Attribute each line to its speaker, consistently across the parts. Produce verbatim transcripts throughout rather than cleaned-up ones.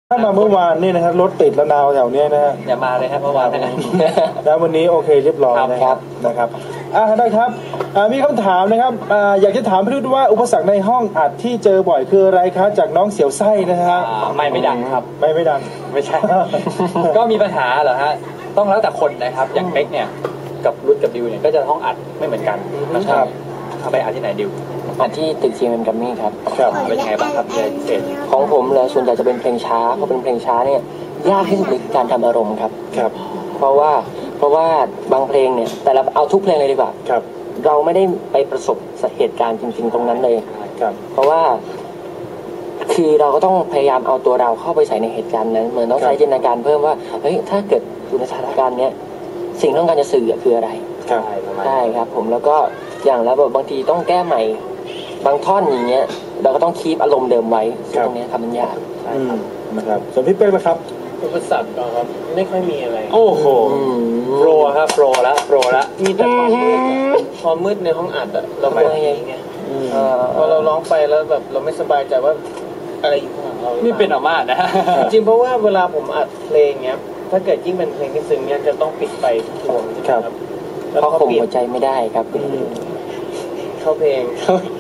Speaker 1: ถ้ามาเมื่อวานนี่นะครับรถติดระนาวแถวนี้นะฮะ
Speaker 2: อย่ามาเลยครับเมื่อวานนะ
Speaker 1: แล้ววันนี้โอเคเรียบร้อยนะครับนะครับอ่าได้ครับมีคำถามนะครับอยากจะถามพี่รุ่ว่าอุปสรรคในห้องอัดที่เจอบ่อยคืออะไรครับจากน้องเสียวไส้นะฮะ
Speaker 2: ไม่ไม่ดังครับ
Speaker 1: ไม่ไม่ดัง
Speaker 2: ไม่ใช่ ก็มีปัญหาเหรอฮะต้องแล้วแต่คนนะครับอย่างเป๊กเนี่ยกับรุ่นกับดิวเนี่ยก็จะห้องอัดไม่เหมือนกันนะครับเอาไปอัดที่ไหนดิว
Speaker 3: อันที่ตึก จี เอ็ม Grammy ครับ
Speaker 2: ครับเป็นไงบ้างครับเพลงพิเศษ
Speaker 3: ของผมเลยส่วนใหญ่จะเป็นเพลงช้าเพราะเป็นเพลงช้าเนี่ยยากที่สุดในการทำอารมณ์ครับ
Speaker 1: ครับ
Speaker 3: เพราะว่าเพราะว่าบางเพลงเนี่ยแต่เราเอาทุกเพลงเลยดีกว่า
Speaker 1: ครับ
Speaker 3: เราไม่ได้ไปประสบเหตุการณ์จริงๆตรงนั้นเลย
Speaker 1: ครับ
Speaker 3: เพราะว่าคือเราก็ต้องพยายามเอาตัวเราเข้าไปใส่ในเหตุการณ์นั้นเหมือนต้องใช้จินตนาการเพิ่มว่าเฮ้ยถ้าเกิดอยู่ในสถานการณ์เนี้ยสิ่งที่ต้องการจะสื่อคืออะไรใช่ครับผมแล้วก็อย่างแล้วแบบบางทีต้องแก้ใหม่บางท่อนอย่างเงี้ยเราก็ต้องคีปอารมณ์เดิมไว้ตรงนี้ทำมันยาก
Speaker 1: นะครับส่วนพี่เป๊กนะครับ
Speaker 4: อุปสรรคก็ครับไม่ค่อยมีอะไร
Speaker 2: โอ้โหโปรครับโปรแล้วโปรแล้ว
Speaker 4: มีแต่ความมืดความมืดในห้องอัดอะเราไม่ไงไงพอเราร้องไปแล้วแบบเราไม่สบายใจว่าอะไรอยู่ข้างหลังเรา
Speaker 2: นี่เป็นออกมานะ
Speaker 4: จริงเพราะว่าเวลาผมอัดเพลงเงี้ยถ้าเกิดยิ่งเป็นเพลงที่ซึ้งเนี้ยจะต้องปิดไฟทุกดวง
Speaker 1: ครับ
Speaker 3: เพราะข่มหัวใจไม่ได้ครับ
Speaker 4: เข้าเพลง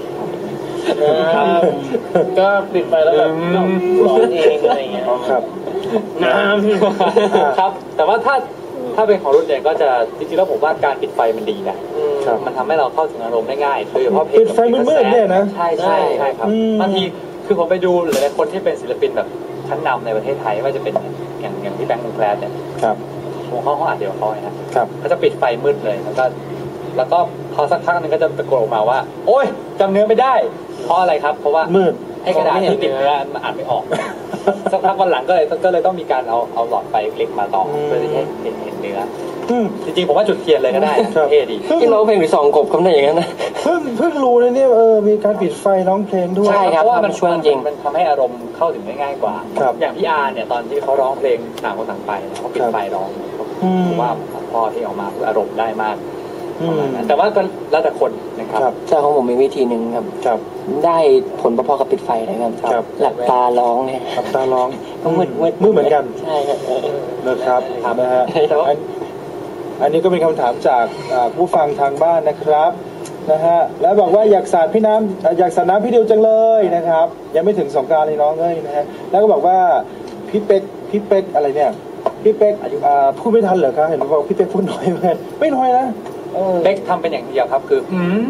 Speaker 4: ก็ปิดไปแล้วแบบร้องเองอะไรเงี้ย
Speaker 1: ครับ
Speaker 4: น้
Speaker 2: ำครับแต่ว่าถ้าถ้าเป็นของรุ่นเนี่ยก็จะจริงๆแล้วผมว่าการปิดไฟมันดีนะมันทำให้เราเข้าถึงอารมณ์ได้ง่ายโดยเฉพาะเพลง
Speaker 1: ปิดไฟมืดๆเนี่ยนะ
Speaker 2: ใช่ใช่ใช่ครับบางทีคือผมไปดูหลายๆคนที่เป็นศิลปินแบบชั้นนำในประเทศไทยว่าจะเป็นอย่างอย่างที่แบงค์วงแคลร์เนี่ยวงห้องเขาอัดเดียวเขาเนี่ยเขาจะปิดไฟมืดเลยแล้วก็แล้วก็พอสักพักนึงก็จะตะโกนออกมาว่าโอ๊ยจำเนื้อไม่ได้เพราะอะไรครับเพราะว่า
Speaker 1: มืด
Speaker 2: ให้กระดาษที่ติดเนื้อมันอ่านไม่ออกสักพักวันหลังก็เลยก็เลยต้องมีการเอาเอาหลอดไฟเล็กมาต่อเพื่อที่ให้เห็นเห็นเนื้อจริงๆผมว่าจุดเทียนเลยก็ได้เท่ดี
Speaker 3: ที่ร้องเพลงหรือสองกบคำนั้นอย่างนั้นนะ
Speaker 1: เพิ่งเพิ่งรู้เลยเนี่ยเออมีการปิดไฟร้องเพลงด้วย
Speaker 2: ใช่ครับเพราะว่ามันช่วยจริงมันทำให้อารมณ์เข้าถึงได้ง่ายกว่าอย่างพี่อาร์เนี่ยตอนที่เขาร้องเพลงต่างคนต่างไปเขาปิดไฟร้องผมว่าพอที่ออกมาอารมณ์ได้มากแต่ว่าก็แล้วแต่คนนะครับ
Speaker 3: ใช่ของผมมีวิธีหนึ่งครับได้ผลพอๆกับปิดไฟนะครับหลับตาร้องเนี่ย
Speaker 1: หลับตาร้อง
Speaker 3: ต้องมืดมืด
Speaker 1: มืดเหมือนกัน
Speaker 3: ใช่ครับ
Speaker 1: นะครับนะฮะอันนี้ก็เป็นคำถามจากผู้ฟังทางบ้านนะครับนะฮะแล้วบอกว่าอยากสาดพี่น้ำอยากสาดน้ำพี่ดิวจังเลยนะครับยังไม่ถึงสงกรานต์เลยน้องเอ้ยนะฮะแล้วก็บอกว่าพี่เป็กพี่เป็กอะไรเนี่ยพี่เป็กพูดไม่ทันเหรอครับเห็นบอกพี่เป็กพูดน้อยเหมือนกันไม่น้อยนะ
Speaker 2: เป๊กทำเป็นอย่างเดียวครับคือ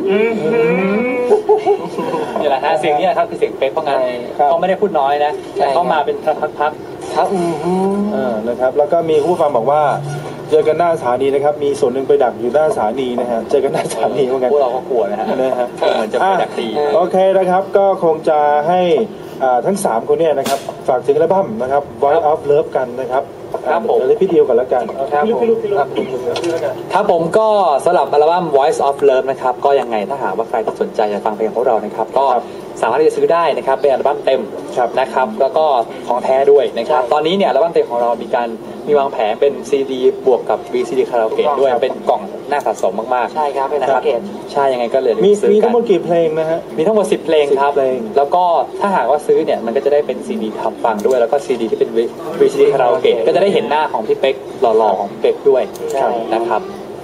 Speaker 2: นี่แหละฮะเสียงนี้ครับคือเสียงเป๊กเพราะงั้นเขาไม่ได้พูดน้อยนะแต่เขามาเป็นพักๆ
Speaker 1: ครับอ่านะครับแล้วก็มีผู้ฟังบอกว่าเจอกันหน้าสถานีนะครับมีส่วนหนึ่งไปดักอยู่หน้าสถานีนะฮะเจอกันหน้าสถานีเหมือนกัน
Speaker 2: พวกเราก็กลัวนะฮะ
Speaker 1: นะฮะ
Speaker 2: เหมือนจะไปดักตี
Speaker 1: โอเคนะครับก็คงจะให้ทั้งสามคนเนี่ยนะครับฝากถึงอัลบั้มนะครับ Voice of Love กันนะครับ
Speaker 2: ครับผม
Speaker 1: เลยพี่เดียวกันแล้วกัน
Speaker 2: ครับผมครับผมก็สำหรับอัลบั้ม Voice of Love นะครับก็ยังไงถ้าหากว่าใครที่สนใจจะฟังเพลงของเรานะครับก็สามารถที่จะซื้อได้นะครับเป็นอัลบั้มเต็มนะครับแล้วก็ของแท้ด้วยนะครับตอนนี้เนี่ยอัลบั้มเต็มของเรามีการมีวางแผนเป็นซีดีบวกกับ วี ซี ดี คาราโอเกะด้วยเป็นกล่องน่าสะสมมากๆ
Speaker 3: ใช่ครับเป็น
Speaker 2: นะครับใช่ยังไงก็เลย
Speaker 1: มีมีทั้งหมดกี่เพลงนะฮะ
Speaker 2: มีทั้งหมดสิบเพลงครับแล้วก็ถ้าหากว่าซื้อเนี่ยมันก็จะได้เป็นซีดีทำฟังด้วยแล้วก็ซีดีที่เป็น วี ซี ดี คาราโอเกะก็จะได้เห็นหน้าของพี่เป๊กหล่อๆของพี่เป๊กด้วยนะครับ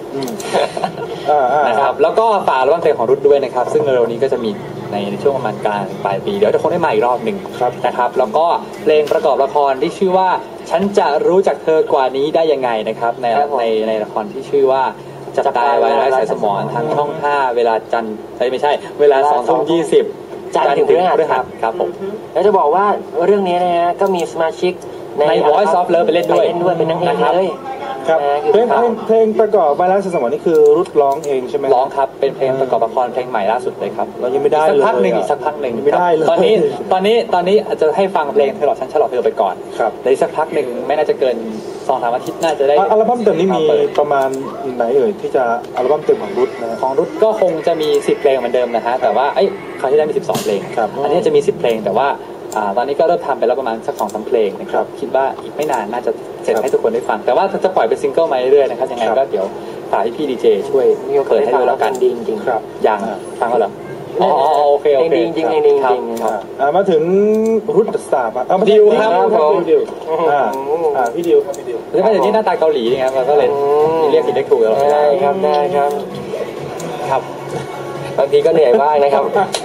Speaker 2: นะครับแล้วก็ฝากอัลบั้มเพลงของรุ่นด้วยนะครับซึ่งเร็วนี้ก็จะมีในช่วงประมาณกลางปลายปีเดี๋ยวจะคงได้มาอีกรอบหนึ่งนะครับแล้วก็เพลงประกอบละครที่ชื่อว่าฉันจะรู้จักเธอกว่านี้ได้ยังไงนะครับในในในละครที่ชื่อว่าจับตายไว้ไร้สายสมองทางช่องห้าเวลาจันทร์ไม่ใช่เวลาสองทุ่มยี่สิบ
Speaker 3: จันทร์ถึงพฤหัส
Speaker 2: ครับผม
Speaker 3: แล้วจะบอกว่าเรื่องนี้นะฮะก็มีสมาชิก
Speaker 2: ใน Voice of Love ไปเล่นด้วย
Speaker 3: เป็นนางเอกเลย
Speaker 1: ครับเพลงเพลงประกอบมาแล้วสมองนี่คือรุดร้องเองใช่ไหม
Speaker 2: ร้องครับเป็นเพลงประกอบละครเพลงใหม่ล่าสุดเลยครับ
Speaker 1: เรายังไม่ได้เลย
Speaker 2: สักพักหนึ่งอีกสักพักหนึ่ง
Speaker 1: ไม่ได้เลย
Speaker 2: ตอนนี้ตอนนี้ตอนนี้อาจจะให้ฟังเพลงเธอหลอกฉันฉลอดเธอไปก่อน
Speaker 1: ครับ
Speaker 2: ในสักพักหนึ่งไม่น่าจะเกินสองสามอาทิตย์น่าจะได้
Speaker 1: อัลบั้มเต็มนี้มีประมาณไหนเอ่ยที่จะอัลบั้มเต็มของรุดนะ
Speaker 2: ของรุดก็คงจะมีสิบเพลงเหมือนเดิมนะฮะแต่ว่าไอ้คราวที่ได้มีสิบสองเพลงอันนี้จะมีสิบเพลงแต่ว่าตอนนี้ก็เริ่มทำไปแล้วประมาณสักสองสามเพลงนะครับคิดว่าอีกไม่นานน่าจะเสร็จให้ทุกคนได้ฟังแต่ว่าจะปล่อยเป็นซิงเกิลมาเรื่อยๆนะครับยังไงก็เดี๋ยวฝากให้พี่ดีเจช่วยเปิดให้ดูแล้วกัน
Speaker 3: ดีจริงๆ
Speaker 2: ครับอย่างฟังก็เหรออ๋อโอเคโอเค
Speaker 3: จริงจริงจริงจริงจริง
Speaker 1: อ่ามาถึงรุดสตาร์อ่ะมา
Speaker 2: ดิวครับ
Speaker 1: ดิวดิวอ่าอ่าพี่ดิวครับพี่ดิว
Speaker 2: แล้วก็อย่างนี้หน้าตาเกาหลีไงมันก็เลยเรียกผิดเรียกถูกแล้ว
Speaker 3: ได้ครับได้ครับ
Speaker 2: ครับ
Speaker 3: บางทีก็เหนื่อยบ้างนะครับ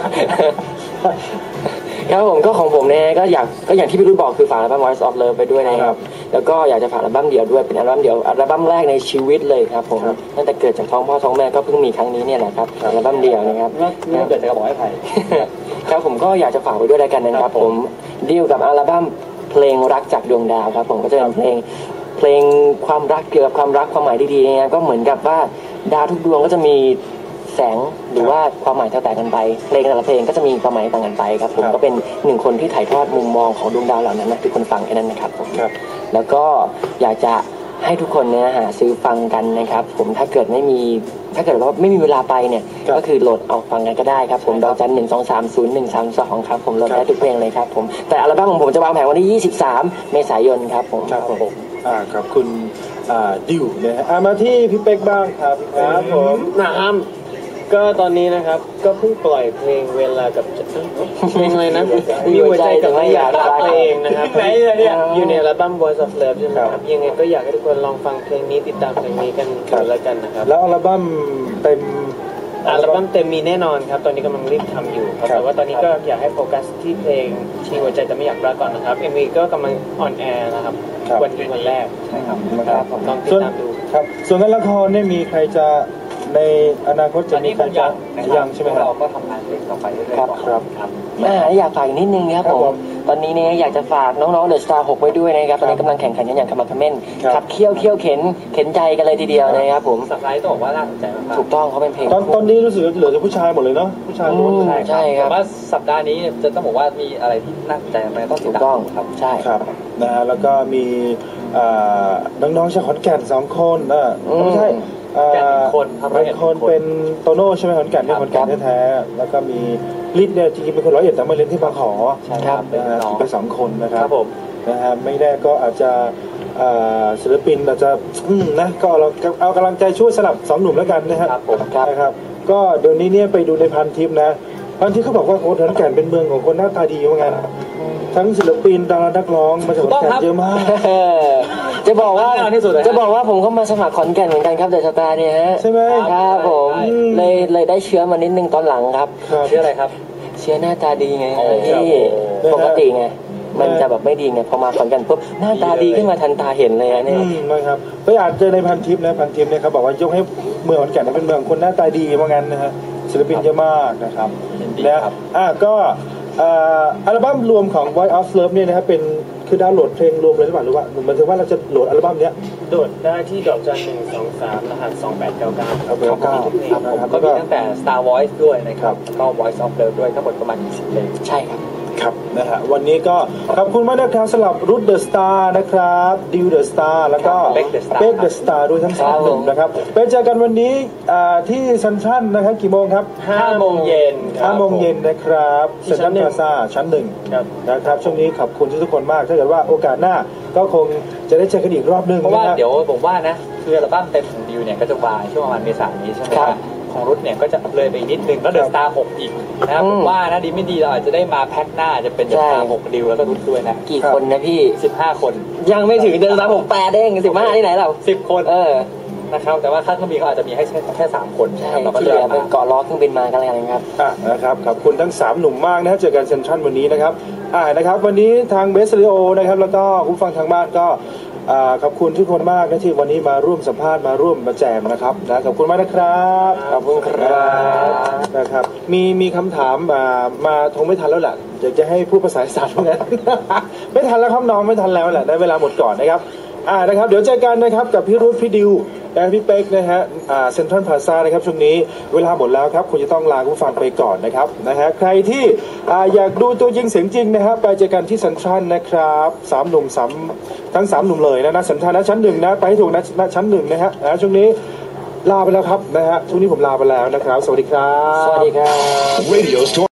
Speaker 3: ครับผมก็ของผมเนี่ยก็อยากก็อย่างที่พี่รุ่นบอกคือฝากอัลบั้ม Voice of Love ไปด้วยนะครับแล้วก็อยากจะฝากอัลบั้มเดี่ยวด้วยเป็นอัลบั้มเดี่ยวอัลบั้มแรกในชีวิตเลยครับผมตั้งแต่เกิดจากท้องพ่อท้องแม่ก็เพิ่งมีครั้งนี้เนี่ยแหละครับอัลบั้มเดี่ยวนะครับ
Speaker 2: นี่เกิดจากกระบอกไม้ไผ่
Speaker 3: ครับผมก็อยากจะฝากไว้ด้วยแล้วกันนะครับผมดีลกับอัลบั้มเพลงรักจากดวงดาวครับผมก็จะเป็นเพลงเพลงความรักเกี่ยวกับความรักความหมายดีๆเนี่ยก็เหมือนกับว่าดาวทุกดวงก็จะมีแสงหรือว่าความหมายแตกต่างกันไปเพลงแต่ละเพลงก็จะมีความหมายต่างกันไปครับผมก็เป็นหนึ่งคนที่ถ่ายทอดมุมมองของดวงดาวเหล่านั้นนะทุกคนฟังแค่นั้นนะครับผมแล้วก็อยากจะให้ทุกคนเนี่ยหาซื้อฟังกันนะครับผมถ้าเกิดไม่มีถ้าเกิดว่าไม่มีเวลาไปเนี่ยก็คือโหลดเอาฟังกันก็ได้ครับผมดอกจันหนึ่งสองสามศูนย์หนึ่งสามสองครับผมโหลดได้ทุกเพลงเลยครับผมแต่อัลบั้มของผมจะวางแผงวันที่ยี่สิบสามเมษายนครับผม
Speaker 1: ครับผมอ่าขอบคุณอ่าดิวนะฮะอ่ามาที่พี่เป๊กบ้างครับครับผม
Speaker 4: นะครับก็ตอนนี้นะครับก็เพิ่งปล่อยเพลงเวลากับเพลงอะไรนะมีหัวใจกับไม่อยากรักตัวเองนะครับไหนเนี่ยอยู่ในอัลบั้ม Voice of Love ใช่ไหมครับยังไงก็อยากให้ทุกคนลองฟังเพลงนี้ติดตามเพลงนี้กันกันแล้วกันนะครับ
Speaker 1: แล้วอัลบั้มเต็ม
Speaker 4: อัลบั้มเต็มมีแน่นอนครับตอนนี้กำลังรีบทำอยู่ครับแต่ว่าตอนนี้ก็อยากให้โฟกัสที่เพลงมีหัวใจแต่ไม่อยากรักก่อนนะครับ เอ็ม วี ก็กำลังออนแอร์นะครับวันที่วันแรกใช่ครับผมลองติดตามดู
Speaker 1: ครับส่วนงานละครเนี่ยมีใครจะในอนาคตจะมีใครจะยังใช่ไหมครับ
Speaker 2: เราก็ทำงานเพลงต่อไปเรื่อยๆ
Speaker 1: ครับครับ
Speaker 3: อ่าอยากฝากอีกนิดนึงครับผมตอนนี้เนี่ยอยากจะฝากน้องๆเดอะสตาร์หกไว้ด้วยนะครับตอนนี้กำลังแข่งขันกันอย่างขมักเขม้นขับเคี่ยวเคี่ยวเข็นเข็นใจกันเลยทีเดียวนะครับผม
Speaker 2: สับไลท์ต้องบอกว่าน่าสนใจมาก
Speaker 3: ถูกต้องเขาเป็นเพลง
Speaker 1: ตอนตอนนี้รู้สึกเหลือแต่ผู้ชายหมดเลยเนาะผู้ชายล้วน
Speaker 3: ใช่ครับ
Speaker 2: แต่ว่าสัปดาห์นี้จะต้องบอกว่ามีอะไรที่น่าสนใจมากต้องติดตามครับ
Speaker 3: ใช่
Speaker 1: ครับนะฮะแล้วก็มีน้องๆชาวขอนแก่นสองคนเออไม่ใช่
Speaker 2: คน
Speaker 1: เป็นคนเป็นโตโน่ใช่ไหมขอนแก่นที่ขอนแก่นแท้ๆแล้วก็มีลิศเนี่ยจริงๆเป็นคนร้อยเอ็ดแต่มาเรียนที่บางขอ
Speaker 2: ใช่ครับ
Speaker 1: นะฮะเป็นสองคนนะครับ
Speaker 2: ครับผม
Speaker 1: นะฮะไม่แน่ก็อาจจะศิลปินอาจจะนะก็เราเอากำลังใจช่วยสลับสองหนุ่มแล้วกันนะครับนะครับก็เดี๋ยวนี้เนี่ยไปดูในพันทิปนะพันทิปเขาบอกว่าโอ้ขอนแก่นเป็นเมืองของคนหน้าตาดีเหมือนกันทั้งศิลปินดารานักร้องมาจากขอนแก่นเยอะมาก
Speaker 3: จะบอกว่าจะบอกว่าผมเข้ามาสมัครขอนแก่นเหมือนกันครับเดอะสตาร์เนี่ยฮะ
Speaker 1: ใช่ไหม
Speaker 3: ครับผมเลยเลยได้เชื้อมานิดนึงตอนหลังครับ
Speaker 2: เชื้ออะไรครับ
Speaker 3: เชื้อหน้าตาดีไงที่ปกติไงมันจะแบบไม่ดีไงพอมาขอนแก่นปุ๊บหน้าตาดีขึ้นมาทันตาเห็นเลยเนี่ย
Speaker 1: นะครับไปอ่านเจอในพันทิปนะพันทิปเนี่ยเขาบอกว่ายกให้เมืองขอนแก่นเป็นเมืองคนหน้าตาดีว่างั้นนะฮะศิลปินเยอะมากนะครับนะอ่ะก็อัลบั้มรวมของ Voice of Love เนี่ยนะครับเป็นคือดาวน์โหลดเพลงรวมเลยหรือเปล่าหรือว่าหมายถึงว่าเราจะโหลดอัลบั้มเนี้ย
Speaker 4: โหลดได้ที่ดอกจันหนึ่งสองสามรหัสสองแปดเก้าเก้าครับ
Speaker 1: เก้า
Speaker 2: ครับก็มีตั้งแต่ Star Voice ด้วยนะครับแล้วก็ Voice of Love ด้วยทั้งหมดประมาณยี่สิบเพลง
Speaker 3: ใช่ครับ
Speaker 1: ครับนะฮะวันนี้ก็ขอบคุณมากนะครับสำหรับรุดเดอะสตาร์นะครับดิวเดอะสตาร์แล้วก็เบคเดอะสตาร์ด้วยทั้งสามหนุ่มนะครับไปเจอกันวันนี้ที่ซันทรัลนะครับกี่โมงครับ
Speaker 4: ห้าโมงเย็น
Speaker 1: ห้าโมงเย็นนะครับเซ็นทรัลพลาซ่าชั้นหนึ่งนะครับช่วงนี้ขอบคุณทุกคนมากถ้าเกิดว่าโอกาสหน้าก็คงจะได้เจอกันอีกรอบนึง
Speaker 2: เพราะว่าเดี๋ยวผมว่านะคืออัลบั้มเต็มของดิวเนี่ยก็จะวางช่วงประมาณเมษายนนี้ใช่ไหมครับของรุ่นเนี่ยก็จะเลยไปนิดนึงแล้วเดอะสตาร์หกอีกนะครับผมว่านะดีไม่ดีเราอาจจะได้มาแพ็คหน้าจะเป็นเดอะสตาร์หกดิวแล้วก็รุ่นด้วยนะ
Speaker 3: กี่คนนะพี่
Speaker 2: สิบห้าคน
Speaker 3: ยังไม่ถึงเดอะสตาร์หกแปดเองสิบห้าที่ไหนเรา
Speaker 2: สิบคน
Speaker 3: เออ
Speaker 2: นะครับแต่ว่าค่าเครื่องบินเขาอาจจะมีให้แค่แค่สามคน
Speaker 3: เราก็เลยเป็นเกาะล้อเครื่องบินมากันอะไรกันครับ
Speaker 1: อ่ะนะครับขอบคุณทั้งสามหนุ่มมากนะเจอกันเซนทรัลวันนี้นะครับอ่านะครับวันนี้ทางเบสเรโอนะครับแล้วก็ผู้ฟังทางบ้านก็ขอบคุณทุกคนมากนะที่วันนี้มาร่วมสัมภาษณ์มาร่วมมาแจมนะครับนะขอบคุณมากนะครับ
Speaker 3: ขอบคุณครับ
Speaker 1: นะครับมีมีคำถามมามาคงไม่ทันแล้วแหละอยากจะให้พูดภาษาอีสานเหมือนกันไม่ทันแล้วครับน้องไม่ทันแล้วแหละได้เวลาหมดก่อนนะครับอ่านะครับเดี๋ยวเจอกันนะครับกับพี่รุ่พี่ดิวและพี่เป๊กนะฮะอ่าเซ็นทรัลพลาซ่านะครับช่วงนี้เวลาหมดแล้วครับคุณจะต้องลาผู้ฟังไปก่อนนะครับนะฮะใครที่อ่าอยากดูตัวจริงเสียงจริงนะครับไปเจอกันที่เซ็นทรัลนะครับสามหนุ่มสามทั้งสามหนุ่มเลยนะนะเซ็นทรัลนะชั้นหนึ่งนะไปให้ถูกนะชั้นหนึ่งนะฮะนะช่วงนี้ลาไปแล้วครับนะฮะช่วงนี้ผมลาไปแล้วนะครับสวัสดีครับ
Speaker 3: สวัสดีครับ